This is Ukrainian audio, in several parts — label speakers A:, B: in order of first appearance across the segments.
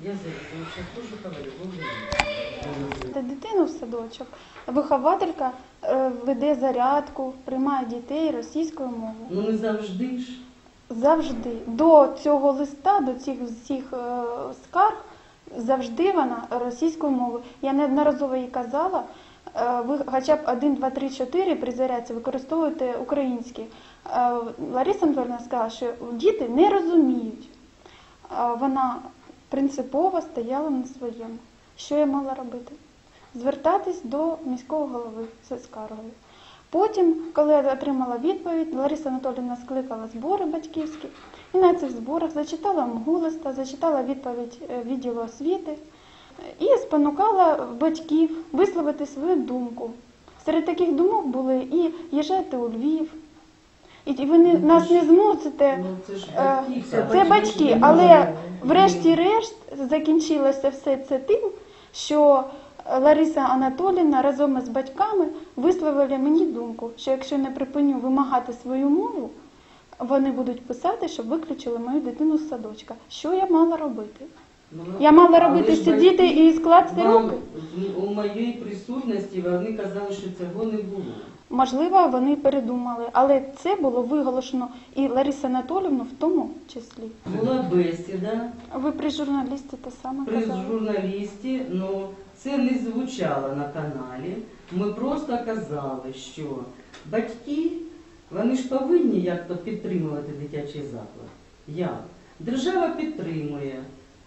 A: Я зараз теж говорю, бо
B: Дитину в садочок. Вихователька веде зарядку, приймає дітей російською мовою.
A: ну не завжди ж.
B: Завжди. До цього листа, до цих всіх скарг, завжди вона російською мовою. Я неодноразово їй казала, ви хоча б 1, 2, 3, 4 при зарядці використовуєте українські. Лариса Анатоліївна сказала, що діти не розуміють. Вона принципово стояла на своєму. Що я мала робити? Звертатись до міського голови з скаргою. Потім, коли я отримала відповідь, Лариса Анатоліївна скликала збори батьківські і на цих зборах зачитала МГУ-листа, зачитала відповідь відділу освіти і спонукала батьків висловити свою думку. Серед таких думок були і їжджайте у Львів, і ви нас не змусите, це батьки, але врешті-решт закінчилося все це тим, що Лариса Анатоліївна разом із батьками висловили мені думку, що якщо не припиню вимагати свою мову, вони будуть писати, щоб виключили мою дитину з садочка. Що я мала робити? Я мала робити сидіти і скласти руки?
A: У моїй присутності вони казали, що цього не було.
B: Можливо, вони передумали, але це було виголошено і Ларису Анатоліївну в тому числі.
A: Була бесіда.
B: Ви при журналісті те саме
A: При
B: казали?
A: журналісті, ну це не звучало на каналі. Ми просто казали, що батьки, вони ж повинні як-то підтримувати дитячий заклад. Як? Держава підтримує.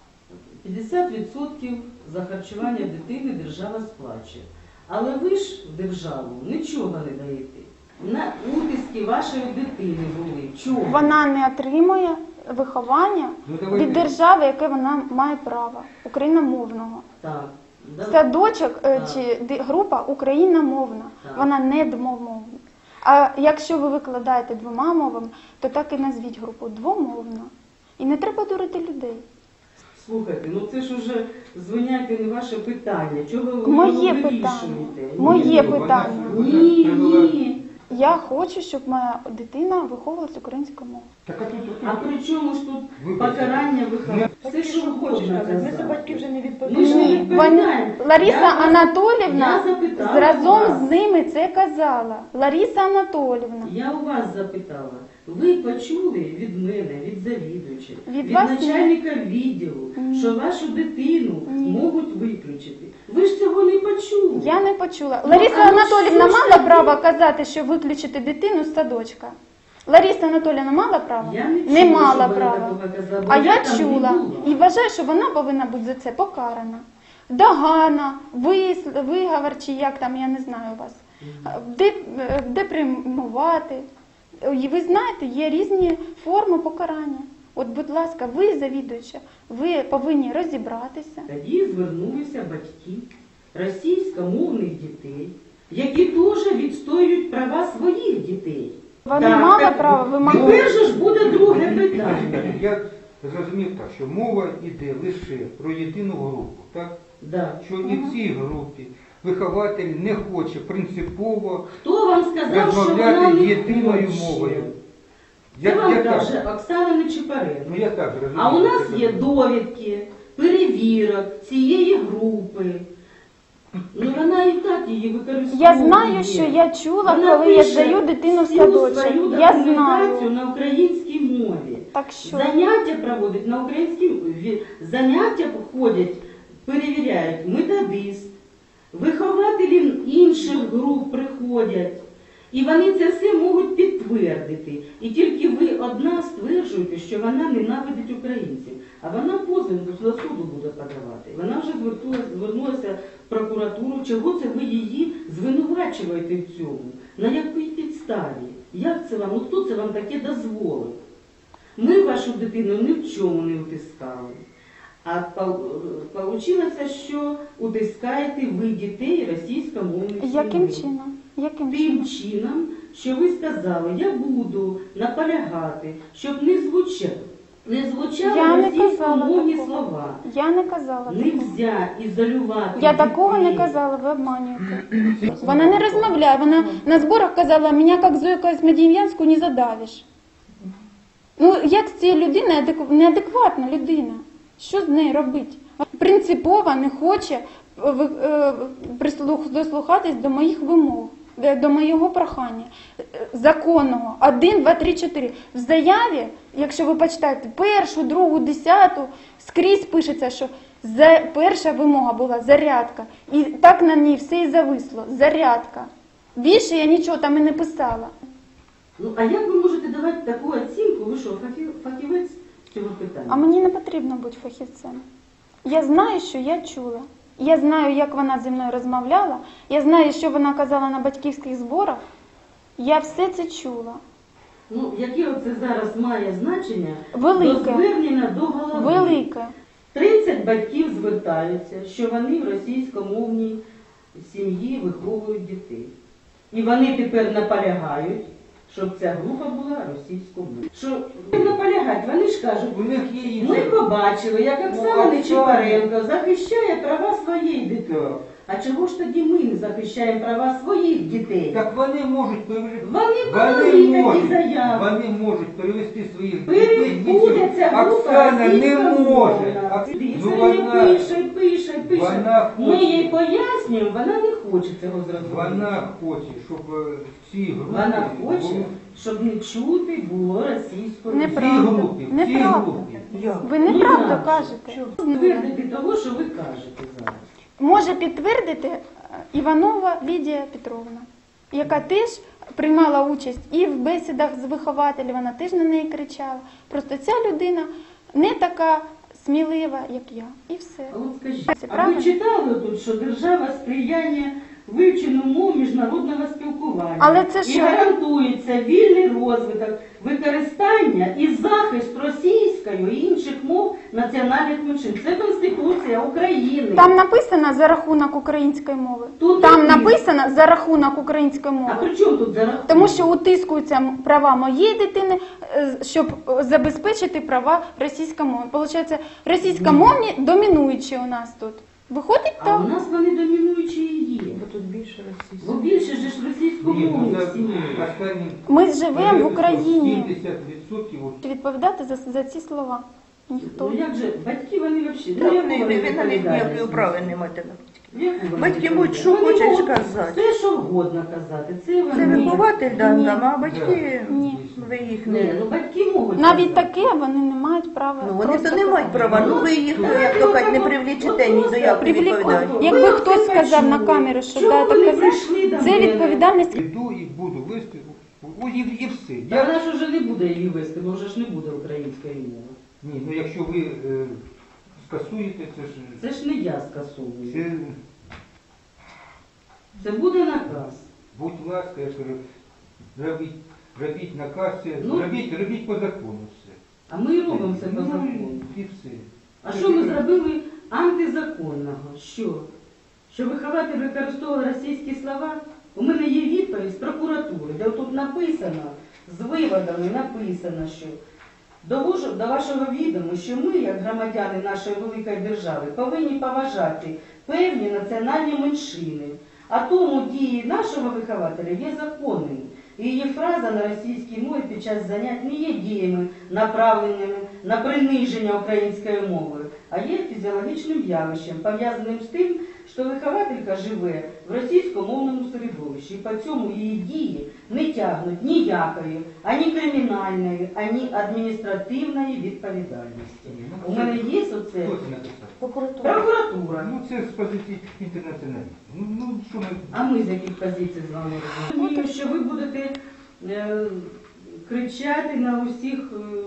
A: 50% за харчування дитини держава сплачує. Але ви ж в державу нічого не даєте. На утиски вашої дитини були. Чого?
B: Вона не отримує виховання від держави, яке вона має право, україномовного.
A: Так.
B: Садочок чи група україномовна, вона не двомовна. А якщо ви викладаєте двома мовами, то так і назвіть групу двомовна. І не треба дурити людей.
A: Слухайте, ну це ж уже звиняйте не ваше питання. Чого ви
B: Моє
A: його
B: питання.
A: вирішуєте?
B: Моє питання.
A: Ні.
B: Я хочу, щоб моя дитина виховувалася українською мовою.
A: А при чому ж тут покарання виховання? Все, що ви хочете
C: Ми за
A: казати.
C: батьків вже не
A: Ми ж
C: відповідаємо.
A: не
B: Ні,
A: відповідаємо.
B: Лариса
A: Я
B: Анатоліївна
A: запитала
B: разом
A: вас.
B: з ними це казала. Лариса Анатоліївна.
A: Я у вас запитала. Ви почули від мене, від завідувача, від
B: вас ні.
A: начальника відділу,
B: Ні.
A: що вашу дитину
B: Ні.
A: можуть виключити. Ви ж цього не почули.
B: Я не почула.
A: Ну,
B: Лариса
A: а ну
B: Анатоліївна
A: що ж
B: мала
A: таке?
B: право казати, що виключити дитину з садочка? Лариса Анатоліївна мала право?
A: Я не
B: Не
A: чула,
B: мала
A: щоб вона
B: права.
A: такого казала, бо
B: А я
A: там не
B: чула.
A: була.
B: І вважаю, що вона повинна бути за це покарана. Догана, виговор, чи як там, я не знаю вас. Депримувати. І ви знаєте, є різні форми покарання. От, будь ласка, ви, завідуюча, ви повинні розібратися.
A: Тоді звернулися батьки російськомовних дітей, які теж відстоюють права своїх дітей.
B: Вони
A: Так,
B: мали
A: так,
B: право вимагати.
A: Тепер же ж буде друге питання.
D: Я зрозумів так, що мова йде лише про єдину групу, так?
A: Да.
D: Що і в цій групі вихователь не хоче принципово
A: Хто вам сказав, що вона
D: розмовляти
A: не
D: єдиною
A: хоче?
D: мовою.
A: Це вам
D: так,
A: каже Оксана Нечипаренко.
D: ну я так розумію.
A: А у нас є довідки, перевірок цієї групи. Ну вона і так її використовує.
B: Я знаю, що я чула,
A: Вона
B: коли я
A: пише
B: здаю дитину в
A: всю
B: садочок.
A: свою
B: Я
A: документацію
B: знаю.
A: на українській мові.
B: Так що?
A: Заняття проводять на українській мові. Заняття ходять, перевіряють методист, вихователі інших груп приходять. І вони це все можуть підтвердити. І тільки ви одна стверджуєте, що вона ненавидить українців. А вона позов до суду буде подавати. Вона вже звернулася в прокуратуру. Чого це ви її звинувачуєте в цьому? На якій підставі? Як це вам? Ну, хто це вам таке дозволив? Ми вашу дитину ні в чому не утискали. А вийшло, що утискаєте ви дітей російськомовних сімей.
B: Яким чином? Яким
A: Тим
B: чином?
A: чином, що ви сказали, я буду наполягати, щоб не звучали
B: Я не казала
A: російськомовні
B: такого.
A: слова.
B: Я не казала такого.
A: Нельзя ізолювати
B: Я такого не
A: дітей.
B: казала, ви обманюєте. Вона не розмовляє, вона на зборах казала, мене як Зойка Смодіїв'янську не задавиш. Ну, як з цією людиною, неадекватна людина, що з нею робити? принципово не хоче дослухатись до моїх вимог, до моєго прохання законного. 1, 2, 3, 4. В заяві, якщо ви почитаєте, 1, 2, 10, скрізь пишеться, що перша вимога була зарядка. І так на ній все і зависло. Зарядка. Більше я нічого там і не писала.
A: Ну, а як ви можете давати таку оцінку? Ви що, фахівець з цього питання?
B: А мені не потрібно бути фахівцем. Я знаю, що я чула. Я знаю, як вона зі мною розмовляла. Я знаю, що вона казала на батьківських зборах. Я все це чула.
A: Ну, яке оце зараз має значення?
B: Велике.
A: До звернення до голови.
B: Велике.
A: 30 батьків звертаються, що вони в російськомовній сім'ї виховують дітей. І вони тепер наполягають, щоб ця група була російськомовною. Що наполягають? Вони ж кажуть,
D: У них є
A: ми
D: інше.
A: побачили, як Оксана Нечипаренко захищає права своєї дитини.
D: Так.
A: А чого ж тоді ми не захищаємо права своїх дітей?
D: Так вони можуть перевести.
A: Вони подали такі заяви.
D: Вони можуть перевести своїх дітей.
A: Буде ця група
D: Оксана не може.
A: Це пише.
D: Вона
A: Ми
D: хоче.
A: їй пояснюємо, вона не хоче цього зробити.
D: Вона хоче, щоб ці групи
A: Вона хоче,
D: були
A: щоб не чути було російською.
D: в цій
B: Неправда.
D: групі. В цій
B: Неправда.
D: групі.
B: Ви неправду кажете.
A: Твердити того, що ви кажете зараз.
B: Може підтвердити Іванова Лідія Петровна, яка теж приймала участь і в бесідах з вихователів, вона теж на неї кричала. Просто ця людина не така смілива, як я. І все.
A: А от скажіть,
B: Це
A: а ви
B: правильно?
A: читали тут, що держава сприяє вивченню мов міжнародного спілкування
B: Але це
A: і
B: що?
A: гарантується вільний розвиток, використання і захист російської і інших мов національних меншин. Це Конституція України.
B: Там написано за рахунок української мови.
A: Тут
B: Там
A: написано.
B: написано за рахунок української
A: А
B: мови.
A: при чому тут за рахунок?
B: Тому що утискуються права моєї дитини, щоб забезпечити права російськомовні. Получається, російськомовні домінуючі у нас тут. Виходить
A: А у
B: так.
A: нас вони домінуючі і є.
C: Бо тут більше російських.
A: Бо більше ж
D: Ні, ну,
A: російськомовних
D: так,
A: сімей.
D: останні
B: Ми живемо в Україні.
D: 70% от
B: Відповідати за ці слова ніхто.
A: Ну як же, батьки вони взагалі,
C: Та
A: ну
C: вони
A: як
C: ви
A: вони
C: на них ніякої
A: відповідальність?
C: права не маєте на батьків.
A: Яку вони
C: Батьки
A: відповідальність?
C: можуть що
A: Вони
C: хочуть
A: можуть
C: сказати.
A: Все, що вгодно казати. Це
C: Це
A: вони.
C: вихователь да,
B: Ні.
C: нам, а батьки
B: Ні.
C: ви їх
A: Ні,
C: не.
A: ну батьки можуть
B: Навіть
A: казати.
B: таке вони не мають права.
C: Ну вони
B: просто
C: то не мають
B: казати.
C: права, ну ви їх, як то кажуть, не привлічете ні до якої відповідальності.
B: Якби
A: Ви
B: хтось
A: це
B: сказав на
A: почули.
B: камеру, що
A: Чому
B: да,
A: вони
B: так
A: прийшли до
B: казав, це
A: мене?
B: відповідальність.
D: Іду і буду вести, і все.
A: Та вона ж вже не буде її вести, бо вже ж не буде української мови.
D: Ні, ну якщо ви скасуєте,
A: Це ж не я скасовую.
D: це
A: Це буде наказ.
D: будь ласка, я кажу, робіть наказ, це,
A: Ну.
D: робіть по закону все.
A: А ми і робимо це по
D: Ну,
A: закону.
D: і все.
A: А що ми зробили антизаконного? Що? Що вихователь використовував російські слова? У мене є відповідь з прокуратури, де тут написано, з виводами написано, що довожу до вашого відому, що ми, як громадяни нашої великої держави, повинні поважати певні національні меншини. А тому дії нашого вихователя є законними. І її фраза на російській мові під час занять не є діями, направленими на приниження української мови, а є фізіологічним явищем, пов'язаним з тим, що вихователька живе в російськомовному середовищі, і по цьому її дії не тягнуть ніякої, ані кримінальної, ані адміністративної відповідальності. У мене є оце
D: Хто це написав?
A: прокуратура.
D: Ну це з позиції інтернаціоналістів. Ну що ми...
A: А ми з яких позицій з вами розуміємо? Розумію, що ви будете кричати на усіх,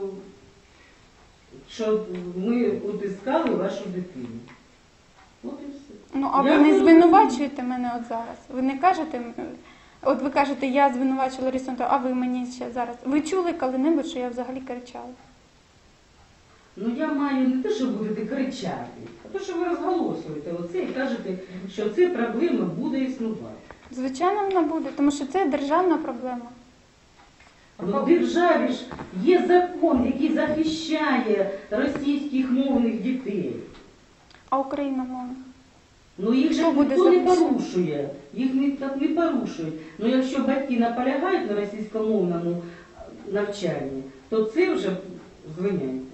A: що ми утискали вашу дитину. От і все.
B: Ну, а
A: Я
B: ви не
A: не
B: звинувачуєте мене от зараз. Ви не кажете, от ви кажете, я звинувачила Ларису Анатоліївну, а ви мені ще зараз. Ви чули коли-небудь, що я взагалі кричала?
A: Ну я маю не те, що будете кричати, а те, що ви розголосуєте оце і кажете, що ця проблема буде існувати.
B: Звичайно, вона буде, тому що це державна проблема.
A: Ну, в державі ж є закон, який захищає російських мовних дітей.
B: А україномовна?
A: Ну їх же
B: Хто буде
A: ніхто не
B: захищати?
A: порушує, їх так не порушують. Ну якщо батьки наполягають на російськомовному навчанні, то це вже звиняють.